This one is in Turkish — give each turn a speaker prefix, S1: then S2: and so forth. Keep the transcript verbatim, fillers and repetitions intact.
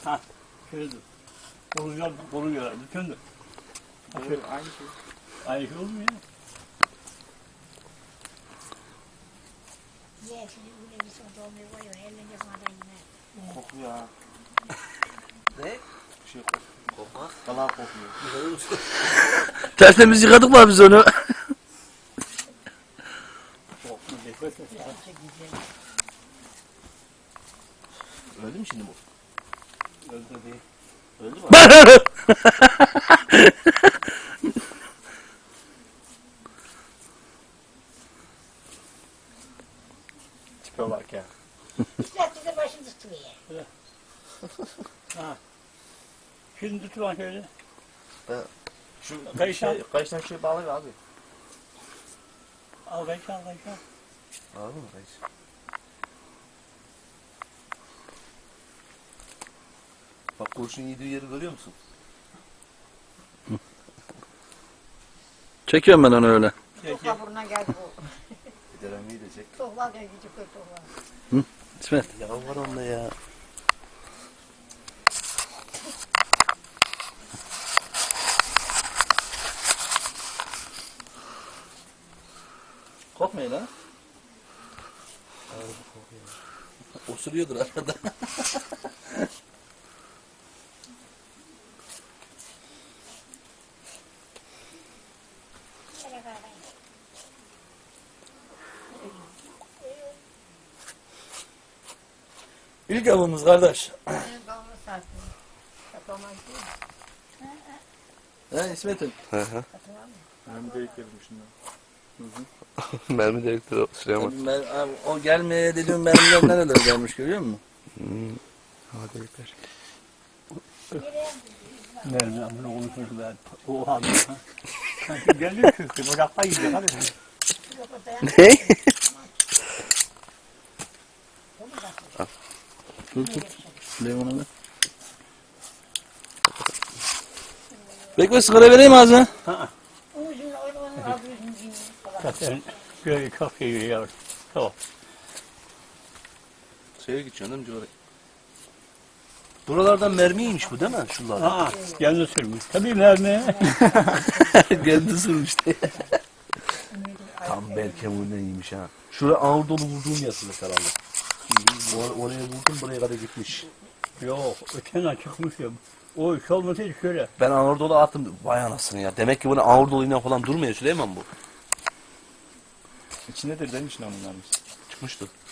S1: Ha, şöyledir. Oluyor, oluyor. Bütündür.
S2: Aynı şey.
S1: Aynı şey olmuyor ya.
S3: Ye şimdi bu ne bir son dolmayı koyuyor. Elinde madan yine.
S2: Kokuyor ha.
S4: Ne?
S2: Bir şey kokuyor.
S4: Kokmaz.
S2: Vallahi kokuyor.
S4: Güzel olmuş.
S5: Tertemiz yıkadık mı biz onu?
S1: Korkma, beklesin.
S4: Öldü mü şimdi bu?
S1: Öldü değil.
S4: Öldü mü?
S1: Tipe bak ya.
S3: İster bize başını tutuyor.
S1: Ha. Şimdi tut bak şöyle.
S2: Şu
S1: Kayışan.
S2: şey, kayıştan şey bağlıyor abi.
S1: Al kayış al kayış al.
S2: Anladın mı kayış?
S4: Bak kurşun yediği yeri görüyor musun?
S5: Çekiyorum ben onu öyle.
S3: Tokla burnuna geldi bu.
S4: Gidelim iyi de çek.
S3: Tokla gel küçük koy tokla.
S5: İsmet.
S4: Ya var onda ya.
S5: Korkmayın ha.
S4: Osuruyordur arada.
S3: Şöyle kadar.
S5: İlk avımız kardeş.
S3: Benim kavunu sattım. Satamaz değil.
S5: He İsmet'im.
S3: Satamaz mı?
S2: Ben bir delik yedim şundan.
S6: Mermi direktörü Süleyman.
S5: Ben, abi, o gelmeye dediğim mermiler nerelere gelmiş görüyor musun?
S6: Hmm. Hava delikler.
S1: Nerede bunu konuşmuş ben. O halde. Sanki geliyor çünkü. Ocakta yiyecek hadi.
S3: Yok o dayan.
S6: Ne?
S5: Dur tut. Süleyman'a ver. Bekle sigara vereyim ağzına.
S3: Ucunu oynamanın adı yüzünü.
S1: Zaten böyle çok şey yiyor. Çok.
S4: Şeye gideceksin değil mi Civara? Buralardan mermiymiş bu değil mi? Şuralardan.
S1: Aa, kendi sürmüş. Tabii mermi.
S4: Kendi sürmüştü. Tam bel kemiğinden iyiymiş ha. Şuraya ağır dolu vurduğum yasılık herhalde. Or oraya vurdum buraya kadar gitmiş.
S1: Yok, öten çıkmış ya. O iş olmasaydı şöyle.
S4: Ben ağır dolu attım. Vay anasını ya. Demek ki bunu ağır doluyla falan durmuyor Süleyman bu.
S2: İçindedir demiş lan bunlarmış.
S4: Çıkmıştı.